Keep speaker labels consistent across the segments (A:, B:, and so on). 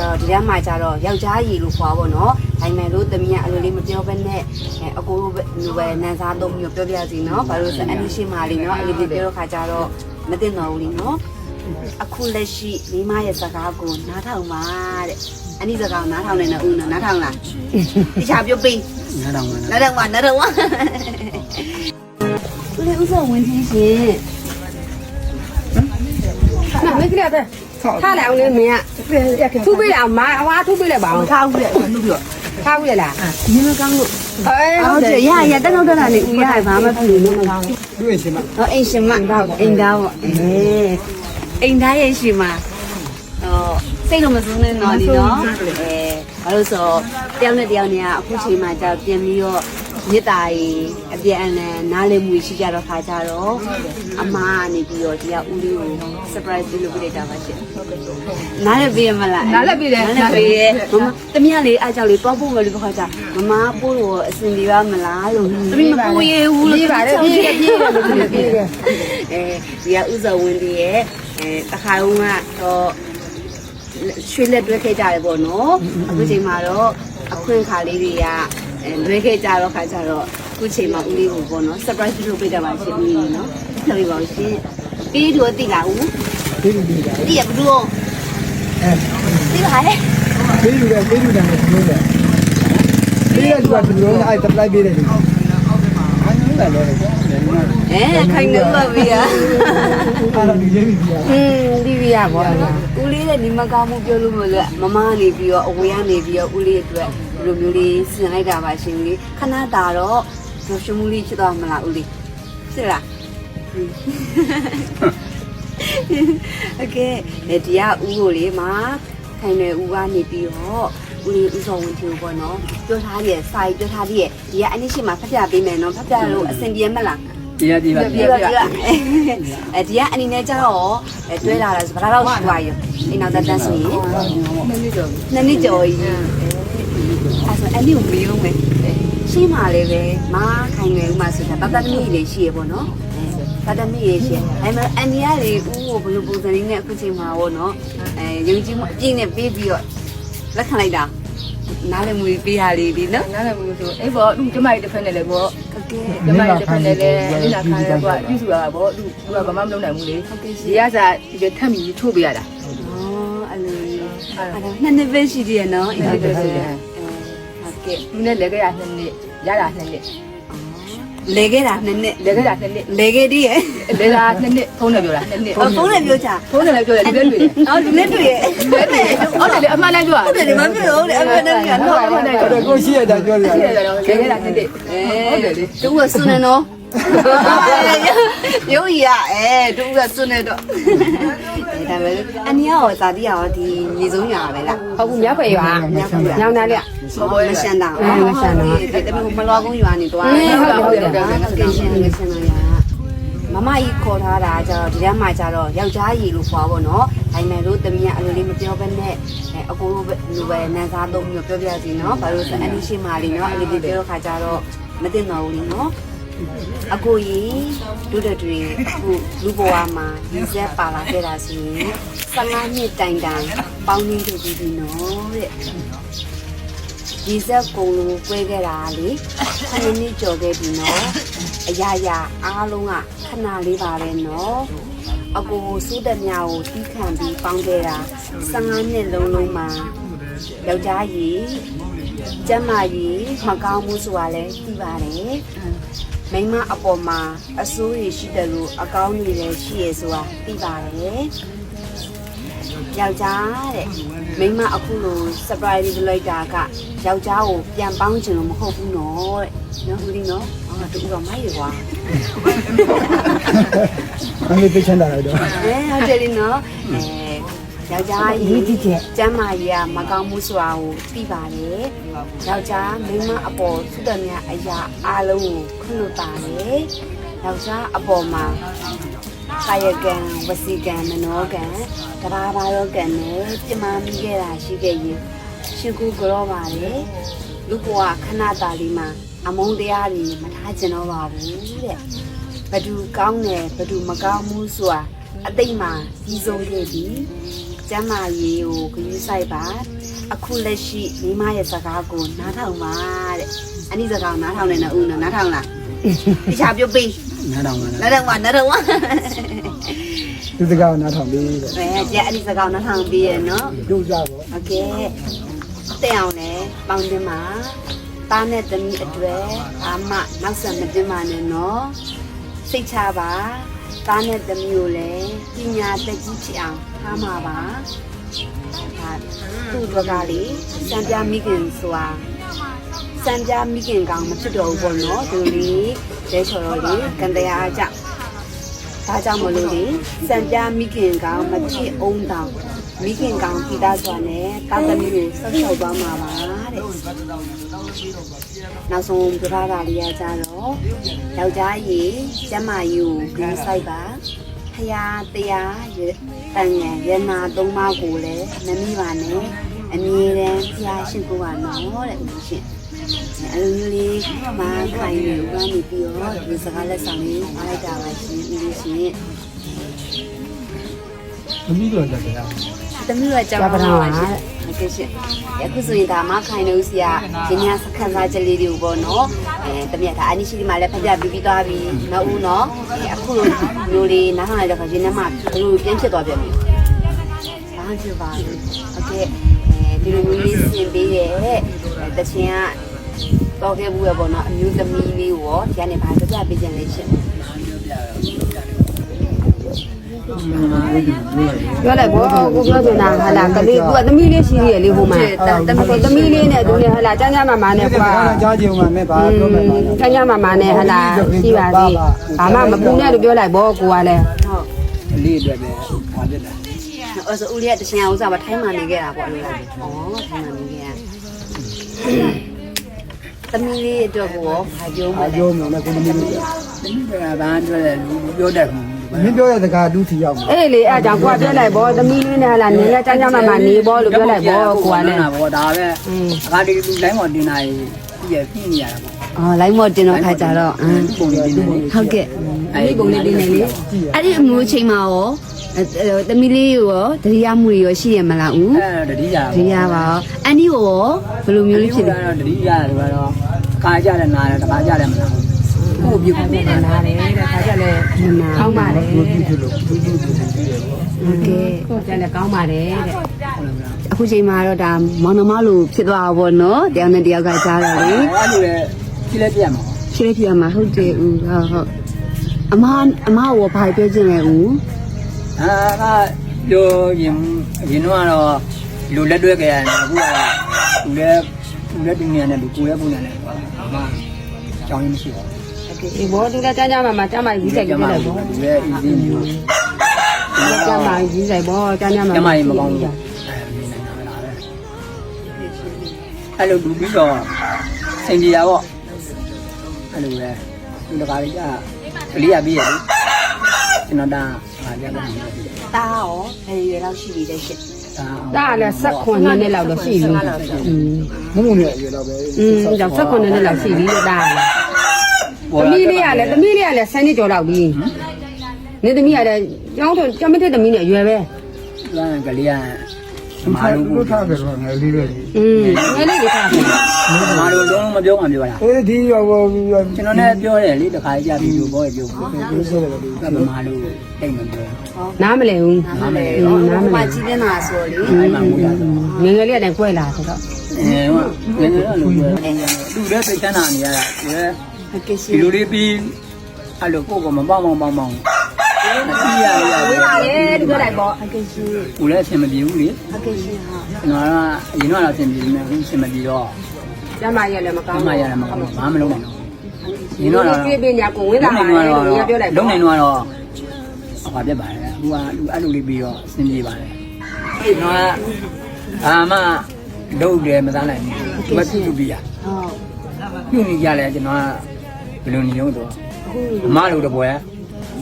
A: ဒီထဲမှာကြတော့ယောက်ျားရည်လို့ခေါ်ပါတော့နော်ဒါပေမဲ့လို့တမီးကအလိုလေးမပြောဘဲနဲ့အကိုတို့ပဲနန်းစားသုံးမျိုးပြောပြစီနော်ဘာလို့ဆိုအနည်းရှိမှလေးနော်အလေးလေးပြောတော့ခါကြတော့မသိတော့ဘူးလीနော်အခုလက်ရှိမိမရဲ့စကားကိုနားထောင်ပါတဲ့အနည်းစကားနားထောင်နေတော့ဦးနော်နားထောင်လားတခြားပြောပေးနားထောင်ပါဦးလေးဥစ္စာဝင်ချင်းရှင်
B: 没给他的，他来我那没啊，出不了嘛，我出不了吧？
A: ထားဦးလေနှုတ်ပြ
B: 他不了啦。
A: 你们刚录
B: 哎，
A: ဟုတ်တယ်ရတက်တော့လာနေဦးရဘာမှဖြစ်နေမကောင်း
C: လူရင်ရှင်မ
A: ဟောအိမ်ရှင်မအိမ်သားပေါ့အိမ်သားရဲ့ရှင်မစိတ်တော့မစိုးနဲ့နော်ဒီနော်ဘာလို့ဆိုတယောက်နဲ့တယောက်နဲ့အခုချိန်မှာကြောက်ပြင်ပြီးတော့မြစ်တာကြီးအပြန်အလှန်နားလည်မှုရှိကြတော့ခါကြတော့အမကနေပြီးတော့ဒီကဦးလေးကို surprise လုပ်ပေးလိုက်တာပါရှင်နားလည်းပေးရမလားနားလည်းပေးတယ်နားပေးရဲမမတမီးလေးအားကြောင့်လေးတော့ပို့မယ်လို့ပြောကြမမပို့လို့အစင်ပြေပါမလားလို့တမီးမပို့ရဘူးလို့ပြေးပါတယ်ပြေးတယ်ဒီကဥစ္စာဝင်ပြီးရဲ့တခါတုန်းကတော့ရွှေလက်တွဲခဲ့ကြတယ်ပေါ့နော်အခုချိန်မှာတော့အခွင့်အခါလေးတွေကလွဲခဲ့ကြတော့ခါကြတော့အခုချိန်မှာဦးလေးကိုပေါ့နော် surprise လုပ်ပေးကြပါရှင်ဦးလေးနော်ဆက်ပြီးပါဦးရှင်ပြီးတော့တိလာဦးတိရဘူးတော့တိလာဟဲ့
C: ပေးလူတယ်ပြောတယ်ပေးရတူကသူတို့အဲ့ apply ပေးတယ်ဒီ
A: ခိုင်နေပါဗျာ
C: အဲ့တော့ဒီရေးပြီဗျာ
B: ဒီပြရပါလား
A: ဦးလေးနဲ့ညီမကောင်းမှုပြောလို့မလို့မမနေပြီးတော့အဝေးကနေပြီးတော့ဦးလေးအတွက်ဒီလိုမျိုးလေးဆင်လိုက်တာပါရှင်ဦးလေးခဏတာတော့ရှုံးမှုလေးဖြစ်သွားမလားဦးလေးဖြစ်လားโอเคဒီကဦးကိုလေးမှာခိုင်နေဦးကနေပြီးတော့ဦးလေးဦးစောဝင်ထူပေါ့နော်ပြောထားရဲ့စာရေးပြောထားရဲ့ဒီကအနည်းရှိမှဖတ်ပြပေးမယ်နော်ဖတ်ပြလို့အဆင်ပြေမလား
C: ဒီကဒီပါ
A: ဒီကအနေနဲ့ကျတော့တွဲလာတာဆိုဘာလို့ရှိသွားရောအိမ်နောက်တက်တန်းဆိုရင်နှစ်နှစ်ကျော်ကြီးအဲ့ဆိုအဲ့ဒီကိုမယုံမယ်ရှိမှလည်းပဲမခိုင်နေဦးမှဆိုတာတတ်တမီးလေးရှိရပေါ့နော်တတ်တမီးလေးရှိအဲ့မှာအန်ဒီကလေဦးကိုဘယ်လိုပုံစံလေးနဲ့အခုချိန်မှာပေါ့နော်ယုံကြည်မှုအပြည့်နဲ့ပေးပြီးတော့လက်ခံလိုက်တာနားလည်မှုပေးရလေးဒီနော်
B: နားလည်းမလို့ဆိုအေးပေါ့သူကျမကြီးတစ်ဖက်နဲ့လည်းပေါ့ကျမကြီးတစ်ဖက်နဲ့လည်းလိလာခါရဲကွာပြုစုရတာပေါ့သူကဘာမှမလုပ်နိုင်ဘူးလေဒီကစားဒီထက်မီထိုးပေးရတာ
A: အဲ့လိုအဲ့ဒါနှစ်နှစ်ပဲရှိသေးရနော်အဲ့ဒါပဲရှိတယ်
B: ဟုတ်ကဲ့သူနဲ့လဲခဲ့ရ2နှစ်ရတာ2နှစ်
A: လဲခဲ့တာ2နှစ်
B: လဲခဲ့တာ2နှစ်
A: လဲခဲ့သေးရဲ့
B: လဲတာ2နှစ်ဖုန်းနဲ့ပြောတာ2နှစ်
A: ဖုန်းနဲ့ပြောချာ
B: ဖုန်းနဲ့လည်းပြောတယ်ဒီလည်းတွေ့တယ်
A: ဒီလည်းတွေ့ရဲ့
B: ဟုတ်တယ်အမှန်တမ်းပြော
A: ဟုတ်တယ်မပြောဘူးလေအမှန်တမ်းကတော့
C: ကိုရှိရတာပြောတယ်
B: ရှိရတယ်တော့လဲခဲ့တာ2နှစ်
A: ဟုတ်တယ်လေသူကစွနေနော်ရုပ်ရသူကစွနေတော့ဒါပဲအနီရောဇာတိရောဒီမြေဆုံးညာပဲလား
B: ဟုတ်ဘူးမြောက်ဖက်ရွာညောင်းသားလေး
A: မရှန်တာမရှန်တာတမီးမလွားကုန်းရွာနေတော့ဟုတ်တယ်ကင်းရှင်းနေရှင်းလာရမမကြီးခေါ်ထားတာကျတော့ဒီထဲမှာကျတော့ယောက်ျားရည်လို့ခေါ်ပါတော့နော်ဒါပေမဲ့လို့တမီးကအလိုလေးမပြောဘဲနဲ့အကိုတို့လူပဲနန်းစားသုံးမျိုးပြောပြစီနော်ဘာလို့ဆိုအနည်းရှိမှလေးနော်အလေးလေးပြောတော့ခါကျတော့မသိတော့ဘူးလीနော်အကိုကြီးဒုဒတွေအခုလူဘဝမှာဒီဇက်ပါလာခဲ့တာဆိုရင်15နှစ်တိုင်ပေါင်းရင်းထုတ်ပြီးပြီနော်တဲ့ဒီဇက်ကုံလုံးကွဲခဲ့တာလေ7နှစ်ကျော်ခဲ့ပြီနော်အရာရာအားလုံးကခဏလေးပါပဲနော်အကိုစိုးတဲ့မြာကိုတီးခံပြီးပေါင်းခဲ့တာ15နှစ်လုံးမှာယောက်ျားကြီးကျမကြီးမကောင်းမှုဆိုတာလည်းသိပါတယ်မိမအပေါ်မှာအဆိုးရရှိတယ်လို့အကောင်းတွေလည်းရှိရဆိုတာသိပါတယ်ယောက်ျားတဲ့မိမအခုလို surprise လုပ်လိုက်တာကယောက်ျားကိုပြန်ပေါင်းချင်လို့မဟုတ်ဘူးနော်တဲ့နော်ဦးလေးနော်တူတော့မိုက်ရွာ
C: အမေသိချင်တာတော့
A: ဟုတ်တယ်လीနော်ယောက်ျားကြီးကျမ်းမာကြီးကမကောင်းမှုဆိုတာကိုသိပါတယ်ယောက်ျားမိန်းမအပေါ်သုတ္တမြအရာအားလုံးကိုခွင့်လွှတ်ပါတယ်ယောက်ျားအပေါ်မှာကာယကံဝစီကံမနောကံတဘာဘာရောကံနဲ့ပြမမိခဲ့တာရှိခဲ့ရင်ရှင်ကူကြောပါတယ်လူဘဝခဏတာလေးမှာအမုန်းတရားတွေမထားကျင်တော့ပါဘူးတဲ့ဘသူကောင်းတယ်ဘသူမကောင်းဘူးဆိုတာအတိတ်မှာကြီးဆုံးခဲ့ပြီကျမ်းမာရေးကိုဂရုစိုက်ပါအခုလက်ရှိမိမရဲ့စကားကိုနားထောင်ပါတဲ့အနည်းစကားနားထောင်နေတော့ဦးနားထောင်လားတခြားပြုတ်ပြီး
C: နားထောင်ပါ
A: နားထောင်ပါနားထောင်ပါ
C: ဒီစကားနားထောင်ပြီးတဲ့
A: ကျအနည်းစကားနားထောင်ပြီးရနော်
C: တို့ကြပေါ့
A: โอเคတဲ့အောင်လေပေါင်းတင်မှာတားနဲ့သမီးအတွက်အာမနောက်ဆက်မတင်ပါနဲ့နော်စိတ်ချပါတားနဲ့သမီးကိုလည်းပညာတက်ကြီးဖြစ်အောင်ထားမှာပါဒါသူ့ဘက်ကလေစံပြမိခင်ဆိုတာစံပြမိခင်ကောင်မဖြစ်တော့ဘူးပေါ့နော်သူလေးလဲချော်တော့လေကန်တရားကြောင့်ဒါကြောင့်မလို့လေစံပြမိခင်ကောင်မဖြစ်အောင်တောင်မိခင်ကောင်ပိသားစွာနဲ့တာသမီးကိုဆက်ဆောက်သွားမှာပါတဲ့နောက်ဆုံးပြပါတာလေးရကြတော့ယောက်ျားကြီးကျမကြီးကိုဂရုစိုက်ပါဖရာတရားတန်ငယ်ရနာသုံးပါးကိုလည်းမမိပါနဲ့အမြဲတမ်းဖရာရှိခိုးပါနော်တဲ့ဦးရှင်အဲ့လိုမျိုးလေးမခိုင်နေဦးကနေပြီးတော့ဒီစကားလက်ဆောင်လေးအားလိုက်တာပါရှင်ဦးရှင်
C: သမီးတို့ကြတယ်
A: တမီးကကြောက်ပါတော့ဟုတ်ကဲ့ရှင်အခုဆိုရင်ဒါမှခိုင်နေဦးစီကဒီညစခန်းစားချက်လေးတွေကိုပေါ့နော်တမီးကဒါအနိရှိဒီမှာလည်းဖပြပြီးသွားပြီနော်ဦးနော်အခုလိုမျိုးလေးနားထောင်လိုက်တော့ရင်းနှမဘယ်လိုပြင်းဖြစ်သွားပြန်ပြီဘာဖြစ်ပါလဲဟုတ်ကဲ့ဒီလိုမျိုးလေးဆင်ပေးရဲ့တချင်ကတော့ခဲ့ဘူးရပေါ့နော်အမျိုးသမီးလေးကိုရောဒီကနေဘာပြပေးကြလဲရှင်ပြောလိုက်ဘောကိုပြောနေတာဟာလာကလေးကသမီးလေးရှိရလေဟိုမှာသမီးလေးနဲ့သူနဲ့ဟာလာကျန်းကျန်းမာမာနဲ့ကွာ
C: ကြားကြုံမှာမဲ့ပါပြောမယ်ပါ
A: ကျန်းကျန်းမာမာနဲ့ဟာလာရှိပါသေးဘာမှမပူနဲ့လို့ပြောလိုက်ဘောကိုကလည်းဟုတ်
C: လေးအတွက်ပဲပါပြစ်တာ
A: အဲ့ဆိုဦးလေးကတချင်အောင်ဥစားပါထိုင်းမှနေခဲ့တာပေါ့လို့ဩထိုင်းမှနေခဲ့သမီးလေးအတွက်ကိုဘာပြောမလဲ
C: ပြောမယ်နဲ့ကိုသမီးတို့
D: သမီးကဘာပြောလဲပြောတတ်ဘူး
C: မင်းပြောတဲ့စကားဒုတိယရောက်မှာ
A: အေးလေအဲ့ကြောင့်ကိုကပြောလိုက်ဘောသမီးလေးနဲ့ဟာလာနေလဲကျန်းကျန်းမာမာနေဘောလို့ပြောလိုက်ဘောကိုကလည်း
D: ဘောဒါပဲအခါဒီလူလိုင်းပေါ်တင်လာရေးပြည့်နေရတာပေါ့
A: အော်လိုင်းမော်တင်တော့ခါကြတော့
D: ပုံလေးတင်နေလေ
A: ဟုတ်ကဲ့အဲ့ဒီပုံလေးတင်နေလေအဲ့ဒီအမျိုးချိန်မှာရောသမီးလေးရောတတိယမှုရောရှိရမလားဦး
D: အဲ့တတိယ
A: တတိယပါရောအန်ဒီရောဘယ်လိုမျိုးလေးဖြစ်လဲ
D: တော့တတိယတယ်ကတော့ခါကြတယ်နားတယ်တခါကြတယ်မလား
A: ကိုပြုတ်ပုံနားတယ်တဲ့ခါကြလဲကောင်းပါတယ်
C: ဘူးဖြစ်လို့ဘူးဖြစ်လို့ရှိတယ်ပေါ့
A: ဟုတ်ကဲ့ကိုကြလဲကောင်းပါတယ်တဲ့အခုချိန်မှာတော့ဒါမောင်နှမလိုဖြစ်သွားတာပေါ့နော်တယောက်နဲ့တယောက်ကကြားတော့လေ
D: အဲ့လိုလေဖြည့်လက်ပြမှာ
A: ရှင်းပြရမှာဟုတ်တယ်ဦးဟုတ်အမရောဘာပြောချင်လဲဦး
D: အာကပြောရင်တော့လူလက်တွဲကြရတယ်အခုကလူလက်တင်နေတယ်လူကိုယ်ရဲ့ပုံရတယ်အမကြောင်းရင်းမရှိဘူး
A: ဒီဘောသူလည်းကျမ်းမှာကျမ်းမာကြီးဆိုင်ကြည့်လိုက်ဘော
D: လူရဲ့အင်းကြီးမျိုး
A: ကျမ်းမာကြီးဆိုင်ဘောကျမ်းမှာ
D: ကျမကြီးမကောင်းဘူးအဲ့လိုလူပြီးတော့စင်ကြီးရပေါ့အဲ့လိုပဲလူတကာကြီးကကလေးရပြီးရလေကျွန်တော်ဒါဟာကြတယ်
A: တာရောဘယ်ရွယ်လောက်ရှိပြီလဲရှင့်
D: ဒါ
A: တာလည်း16နှစ်လောက်တော့ရှိပြီ
C: မုံမုံနဲ့အရွယ်တော့ပဲ
A: ကြောင့်16နှစ်လောက်ရှိပြီလို့တာသမီးလေးကလည်း10နှစ်ကျော်လောက်ပြီနေသမီးကလည်းကျောင်းမထက်သမီးနဲ့အရွယ်ပဲ
D: ဒါကလေးက
C: မာလို့ထားကြတော့ငယ်လေးပဲ
A: ငယ်လေးတွေထားတယ်
D: မာလို့လုံးမပြောမှပြောတာ
C: အေးဒီရော
D: ကျွန်တော်လည်းပြောတယ်လေတခါကြပြီးလို့ဘောပြောဘူး
C: ပြောဆိုတယ်
D: ကမာလို့တိတ်မပြော
A: နားမလဲဘူး
D: နားမလဲ
A: နားမလဲကြီးနေတာဆိုလေ
D: အဲ့မှာငိုရတော့
A: ငယ်ငယ်လေးကလည်းကွဲလာဆိုတော့
D: ငယ်ငယ်တော့လူပဲလူလည်းသိချမ်းသာနေရတာဒီ
A: ဟုတ်ကဲ့ရှ
D: ဒီ
A: င်
D: လိုလေးပြီးအဲ့လိုကိုယ်ကမပေါင်းမတီးရရ
A: ဝေးပါလေဒီပြောလိုက်ပေါ့ဟုတ်ကဲ့ရှင်
D: ကိုလည်းအဆင်မပြေဘူးလေ
A: ဟုတ်ကဲ့ရှင်ဟာ
D: ကျွန်တော်ကအရင်ကတော့အဆင်ပြေနေတယ်အဆင်မပြေတော့
A: ကျမရလည်းမကောင်း
D: မရတယ်မကောင်းဘာမှမလုပ်နိုင်တော့
A: ဒီတော့ပြေးပြေးညာကိုဝင်လာပါလေလို့ပြောလိုက်
D: လုံးနိုင်တော့ဟာပြတ်ပါတယ်အခုကလူအဲ့လိုလေးပြီးတော့အဆင်ပြေပါတယ်အဲ့တော့အာမဒုတ်တယ်မသားနိုင်ဘူးမတူပြရ
A: ဟုတ်
D: ပြုတ်နေကြလဲကျွန်တော်ကဘယ်လိုနေလို့တော့အမလိုတပွဲ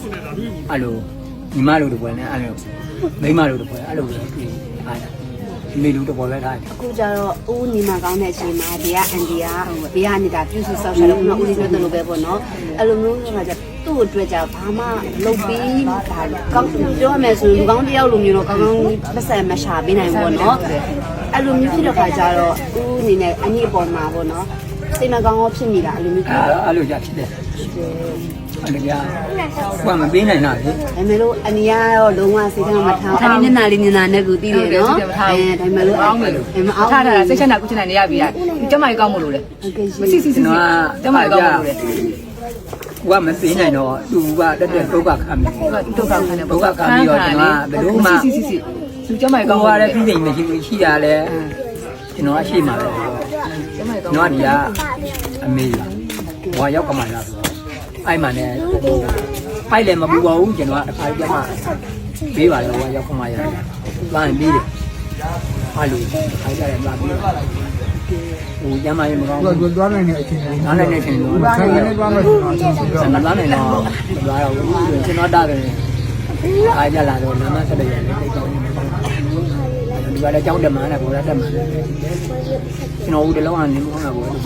D: အဲ့လိုညီမလိုတပွဲနဲ့အဲ့လိုမိမလိုတပွဲအဲ့လိုတွေ့အားတာမေလူတော့ပဲထားတယ်
A: အခုကျတော့ဦးညီမကောင်းတဲ့အချိန်မှာဒီကအန်ဒီကဘေးကနေတာပြုစုဆောက်ရှာလို့ဦးလေးပြောတယ်လို့ပဲပေါ့နော်အဲ့လိုမျိုးဆိုတာကြသူ့အတွက်ကြဘာမှလုပ်ပြီးဒါကောင်းပြောရမယ်ဆိုရင်လူကောင်းတယောက်လိုမျိုးတော့ကောင်းကောင်းပတ်စံမရှာပေးနိုင်ဘူးပေါ့နော်အဲ့လိုမျိုးဖြစ်တဲ့ခါကျတော့ဦးအနေနဲ့အညီအပေါ်မှာပေါ့နော်စိတ်မကောင်းတော့ဖြစ်နေတာအဲ့လိုမျိုးဖြစ်တယ်
D: အဲ့လိုကြဖြစ်တယ်အဲ့ဒါကဘာမပေးနိုင်တာလေ
A: ဒါပေမဲ့လို့အနီကတော့လုံးဝစိတ်ထဲမှာမထားဘူးအနီမျက်နှာလေးမျက်နှာနဲ့ကိုသိတယ်နော်ဒါပေမဲ့လို့အောင်မယ်လို့မအောင်
B: ထားတာစိတ်ချမ်းသာကုချမ်းသာနေရပြီကျမကြီးကောင်းမလို့လေ
A: ဟုတ်ကဲ့ရှင်
B: မစစ်စစ်စစ်ကျမကြီးကောင်းမလို့လေ
D: ဘာမပေးနိုင်တော့သူကတက်တက်ဒုက္ခခံပြီ
B: ဒုက္ခခံတယ်
D: ဒုက္ခခံပြီးတော့ကျွန်တော်ဘယ်လိုမှ
B: စစ်စစ်စစ်သူကျမကြီးကော
D: ကော
B: င်း
D: င်း
B: ပါ
D: ရ
B: လေ
D: တဲ့ပြည်နေမရှိရှိရလဲကျွန်တော်ရှိမှာပဲ
B: ကျမကြီးကောင်း
D: ကျွန်တော်ဒီကအမေဘွာရောက်ကမှလာဆိုအဲ့မှလည်းဖိုက်လည်းမပူပါဘူးကျွန်တော်ကတစ်ခါကြမှာပေးပါလေဘွာရောက်ခမှရတယ်။ဘာရင်ပြီးတယ်။အဲ့လိုခိုင်းကြတယ်ဘာပြီးဟိုကျမရေမကောင်း
C: သူ
D: ဘူး
C: ကသွားနိုင်တဲ့အချိန်လေး
D: ။နားလည်းနေချင်းလို့
C: ဆိုင်ကနေသွားမယ်ဆိုတော့အချိန်ရှိတော့
D: စံသွားနေတော့သွားတော့ကျွန်တော်တားတယ်။အားကြလာတော့နာမဆက်လိုက်ရတယ်တိတ်ကောင်းနေ။ဒီကလည်းကြောင်းတက်မှန်းနဲ့ဘောရတက်မှန်းနဲ့ကျွန်တော်ဦးတလုံးကနေမကောင်းတာဘောလို့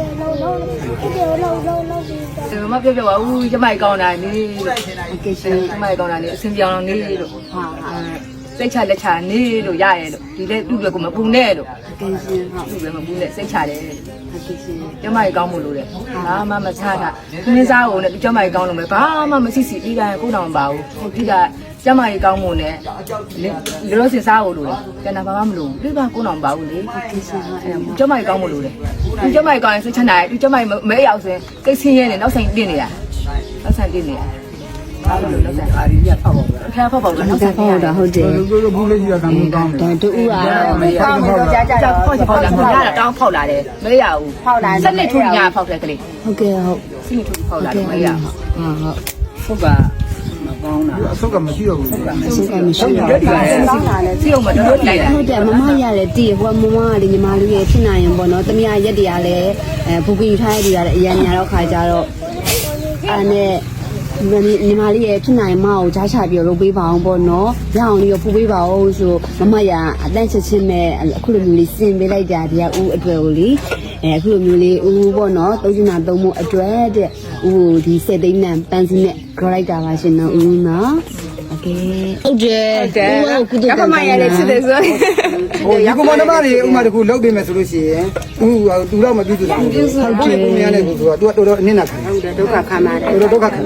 B: တယ်မပြောပါဘူးကျမကြီးကောင်းတာနေ
A: ဟုတ်ကဲ့ရှင်
B: ကျမကြီးကောင်းတာနေအစင်ပြောင်းနေလို့
A: ဟာဟာ
B: စိတ်ချလက်ချနေလို့ရရဲ့လို့ဒီလေသူ့ကိုမပူနဲ့လို့
A: ဟုတ်ကဲ့ရှင်ဟုတ်
B: သူ့လည်းမပူနဲ့စိတ်ချတယ်
A: ဟုတ်ကဲ့ရှင်
B: ကျမကြီးကောင်းမှုလို့တဲ့ဘာမှမချတာခင်းစားကုန်နဲ့ကျမကြီးကောင်းလို့မယ်ဘာမှမစစ်စစ်ပြီးတိုင်းကိုယ်တော်မပါဘူးဒီကကျမကြီးကောင်းမှုနဲ့လောစင်စားဖို့လို့ကျန်တာဘာမှမလို့ဒီကကိုယ်တော်မပါဘူးလေ
A: ဟုတ်ကဲ့ရှင်ဟုတ်အဲ့
B: ကျမကြီးကောင်းမှုလို့တဲ့ဒီကျမကြီးကောင်းရင်စိတ်ချနိုင်ဒီကျမကြီးမဲရောက်စင်ကိတ်ဆင်းရဲနဲ့နောက်ဆိုင်တင်နေတာနောက်ဆိုင်တင်နေတာဘာလို့လဲနောက်ဆိုင်
D: အားရဖောက်ပါဘူး
B: ဖျားဖောက်ပေါက်နောက်ဆိုင်
A: ဟုတ်တာဟုတ်တယ်
C: တို့ဘူးလေးကြီးကတမ်းကောင်းတယ်
A: ဒါတူဦးအား
B: မရဘူးကြာကြာဖောက်ဖောက်လာမရတာတောင်းဖောက်လာတယ်မရဘူးဖောက်လာစနစ်ထူညာဖောက်တယ်ကလေး
A: ဟုတ်ကဲ့ဟုတ်
B: စနစ်ထူဖောက်လာတယ်မရဘူး
A: ဟုတ်
D: ဖုတ်ကမကောင်းတာ
C: အဆုတ်ကမရှိတော့ဘူး
A: အဆုတ်ကမရှိတော့
B: ဒီကလည်းစောင်းလာတယ်စီအောင်မတော်လိုက်တာ
A: ဟုတ်တယ်မမရတယ်တည်ဟိုမမကလေညီမလေးရဲ့ဖြစ်နိုင်ရင်ပေါ့နော်တမရရက်တည်းကလည်းဘူကင်ထားရတဲ့ကအရန်ညာတော့ခါကြတော့အဲ့နဲ့ညီမလေးရဲ့ဖြစ်နိုင်မအောင်ကြားချပြီးလုပ်ပေးပါအောင်ပေါ့နော်ရအောင်လေးရဖူးပေးပါအောင်ဆိုမမရအတန့်ချက်ချင်းမဲ့အခုလိုမျိုးလေးစင်ပေးလိုက်တာဒီကဦးအတွေ့ကိုလေအခုလိုမျိုးလေးဦးပေါ့နော်သုံးချင်တာသုံးဖို့အတွက်တဲ့ဦးဒီစက်သိန်းနဲ့ပန်းစည်းနဲ့ကြော်လိုက်တာပါရှင်နော်ဦးနော်โอเคဟုတ်တယ်ကုသကမရလည်းဖြစ်တယ်ဆို
C: ဟိုဒီကမ္ဘာသမားတွေဥမာတခုလောက်ပေးမယ်ဆိုလို့ရှိရင်သူတော့မပြုစုဘူးဟုတ်တယ်ကိုမရတဲ့ကူဆိုတော့သူကတော်တော်အနစ်နာခံ
A: ဟုတ်တယ်ဒုက္ခခံပါတယ်
C: တော်တော်ဒုက္ခခံ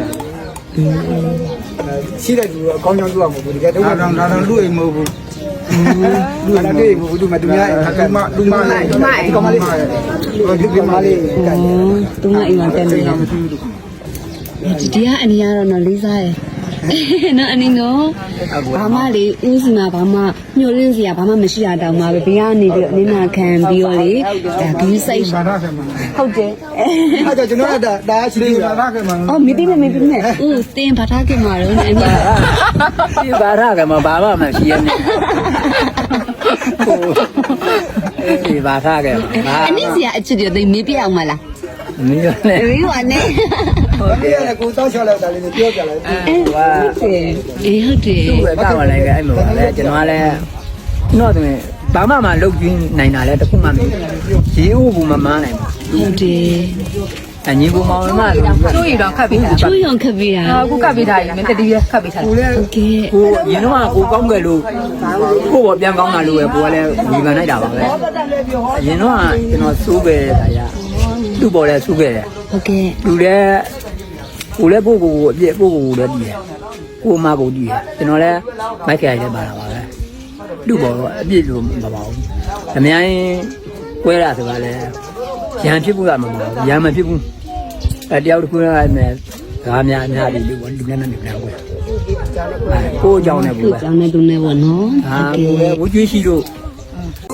C: ရှိတဲ့သူတော့အကောင်းကြောင်းပြောရမှာဘူးဒီကဒုက္ခတော့ဒါတော့လူအိမ်မဟုတ်ဘူးလူအိမ်တွေဘူးသူမသူများလူမဒီကမလေးဒီကမလေးကဲ
A: သူကအိမ်မှာတက်နေတယ်ဒီကအနီကတော့နော်လေးစားရယ်နော်အနီနော်ဘာမှလေဦးစီမှာဘာမှညှို့လင်းစရာဘာမှမရှိတာတောင်မှပဲဘေးကနေပြီးအနင်းနာခံပြီးတော့လေဒါဂီးစိတ်
C: ဘာသာခံမှာ
A: ဟုတ်တယ်
C: အဲ့တော့ကျွန်တော်ကဒါရှိသေးဘာသာခံမှာ
A: အော်မိတိနဲ့ဦးတင်းဘာသာကမှာတော့နေမှာ
D: ဒီဘာရကမဘာမှမရှိရနဲ့ဒီဘာသာကဘာ
A: အနည်းစရာအချစ်တွေသိမေးပြအောင်မလား
D: မင်းလည်း
A: မေးပါနဲ့
C: ဟုတ်ကဲ့ကိုတောက်ချောက်လိုက်တာလေးပြောပြလိုက်
A: အေးဟုတ်တယ်
D: သူ့ပဲကောက်လာလိုက်အဲ့မှာလေကျွန်တော်ကလည်းတော့တယ်ဘာမှမလုပ်ကြည့်နိုင်တာလဲတခုမှမရေဦးဘူးမမနိုင်ဘူး
A: ဟုတ်တယ်
D: အညီဘူးမောင်မလို့
B: တို့ရတော့ခတ်ပြီးတာ
A: ချိုးရုံခပ်ပြီးတာ
B: အခုကတ်ပြီးထားရင်မင်းတတိယခတ်ပြီးထား
C: ကိုလည်း
A: ဟုတ်ကဲ့
D: ကိုရင်တော့ကိုကောင်းကြလို့ကိုပေါ်ပြန်ကောင်းတာလို့ပဲကိုကလည်းဒီကန်လိုက်တာပါပဲအရင်တော့ကျွန်တော်စိုးပဲတာရသူ့ပေါ်လဲစိုးခဲ့တယ်
A: ဟုတ်ကဲ့
D: လူလည်းကိုလည်းပို့ကိုအပြည့်ပို့ကိုလည်းတည်တယ်ကိုမကိုတည်တယ်ကျွန်တော်လည်းမိုက်ခရိုင်လည်းပါတာပါပဲလူပေါ်တော့အပြည့်လို့မပါဘူးအများကြီးကွဲတာဆိုတာလည်းရံဖြစ်ဖို့ကမပါဘူးရံမဖြစ်ဘူးတယောက်တစ်ခုကလည်းဒါအများကြီးလူနဲ့နဲ့နေတယ်ကိုအကြောင်းနဲ့ဘူးပဲ
A: ကျောင်းနဲ့သူနဲ့ပေါ့နော်
D: ဟာကိုလည်းဝကျွေးရှိလို့